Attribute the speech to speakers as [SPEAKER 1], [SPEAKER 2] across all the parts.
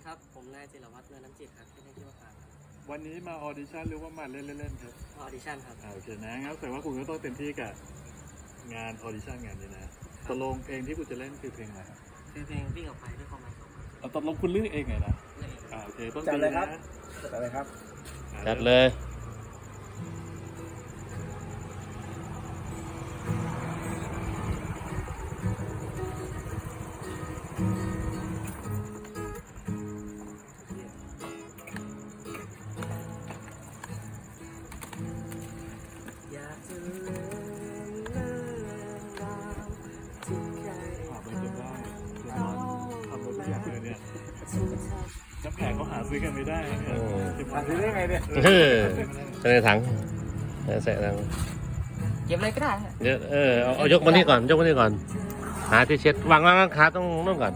[SPEAKER 1] ครับผมนายจิรวัฒน์เนินน้ำจิตครับที่นี่ที่ว่าการครับ
[SPEAKER 2] วันนี้มาออดิชั่นหรือว่ามาเล่นๆครับ
[SPEAKER 1] ออดิชั่นครับ
[SPEAKER 2] โอเคนะงั้นแต่ว่าคุณก็ต้องเต็มที่กับงานออดิชั่นงานนี้นะตกลงเพลงที่คุณจะเล่นคือเพลงอะไรครับ
[SPEAKER 1] คือเพลงวิ่งออกไปด้วยความหมายของมัน
[SPEAKER 2] ตกลงคุณเลือกเองไงนะโอเคต้องจัดเลยครับ
[SPEAKER 3] จัดเลยครับ
[SPEAKER 4] จัดเลย
[SPEAKER 1] อยากจะเลื่อนเลื่อนดาวที่เคย
[SPEAKER 2] ไม่เป็นได้เดี๋ยวทำรถทุกอย่างเลยเนี่ยน้ำแข็งเขาหาซื้อกันไม่ได้เนี่ยหาซื้อได้ไงเนี่ย
[SPEAKER 4] ใส่ในถังใส่ถัง
[SPEAKER 1] เก็บอะไรก็ได้
[SPEAKER 4] เดี๋ยวเอายกมานี่ก่อนยกมานี่ก่อนหาที่เช็ดวางขาต้องนู่นก่อน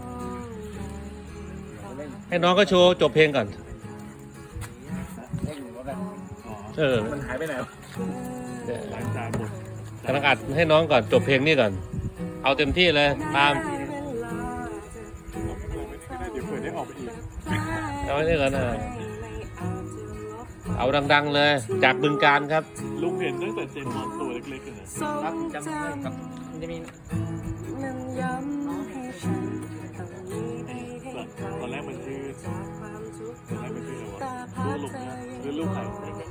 [SPEAKER 4] ให้น้องก็โชว์จบเพลงก่อน
[SPEAKER 3] มันหายไปไหน
[SPEAKER 2] หลังจากหมด
[SPEAKER 4] กำลังอัดให้น้องก่อนจบเพลงนี่ก่อนเอาเต็มที่เลยตาม
[SPEAKER 2] เดี๋ยวเผื่อได้ออกไปอีก
[SPEAKER 4] เอาไว้นี่ก่อนนะเอาดังๆเลยจากบึงกาฬครับ
[SPEAKER 2] ลุงเห็นตั้งแต่เจมส์ตัวเล็กๆเลยนะครับ
[SPEAKER 1] จำได้กับมันจะมี
[SPEAKER 2] ตอนแรกมันชื่ออะไรวะลูกลุงนะหรือลูกใคร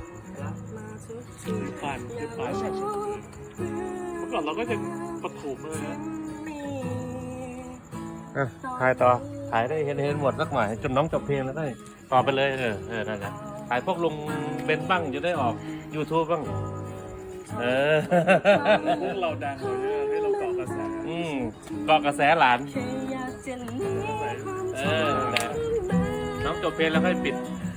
[SPEAKER 2] ชื่อปานเมื่อก่อนเราก็จะปฐมเลยนะ
[SPEAKER 4] ถ่ายต่อถ่ายได้เห็นหมดสักหน่อยจนน้องจบเพลงแล้วได้ต่อไปเลยนั่นแหละถ่ายพวกลุงเบนบ้างจะได้ออก YouTube บ้าง
[SPEAKER 2] เราดังเลยให้เราเกาะกระแส
[SPEAKER 4] เกาะกระแสหลานน้องจบเพลงแล้วค่อยปิด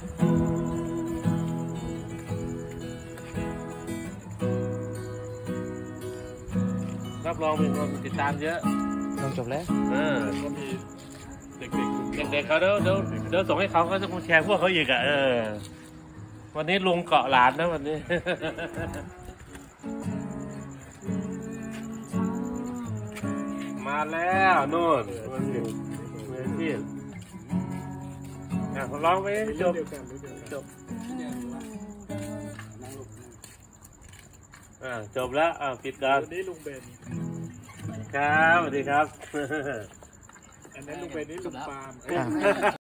[SPEAKER 4] รับรองมีคนติดตามเยอะ
[SPEAKER 1] น้องจบแล้ว
[SPEAKER 2] ก็มีเ
[SPEAKER 4] ด็กๆเขาเดี๋ยวส่งให้เขาจะแชร์พวกเขาอีกวันนี้ลุงเกาะหลานนะวันนี้ มาแล้วนู่นมือที่ร้องไปจบจบแล้วปิดกัน
[SPEAKER 2] วันนี้ลุงเบน
[SPEAKER 4] ครับสวัสดีครับ
[SPEAKER 2] อันนั้นลุงเบนนี่ลุงปาล์ม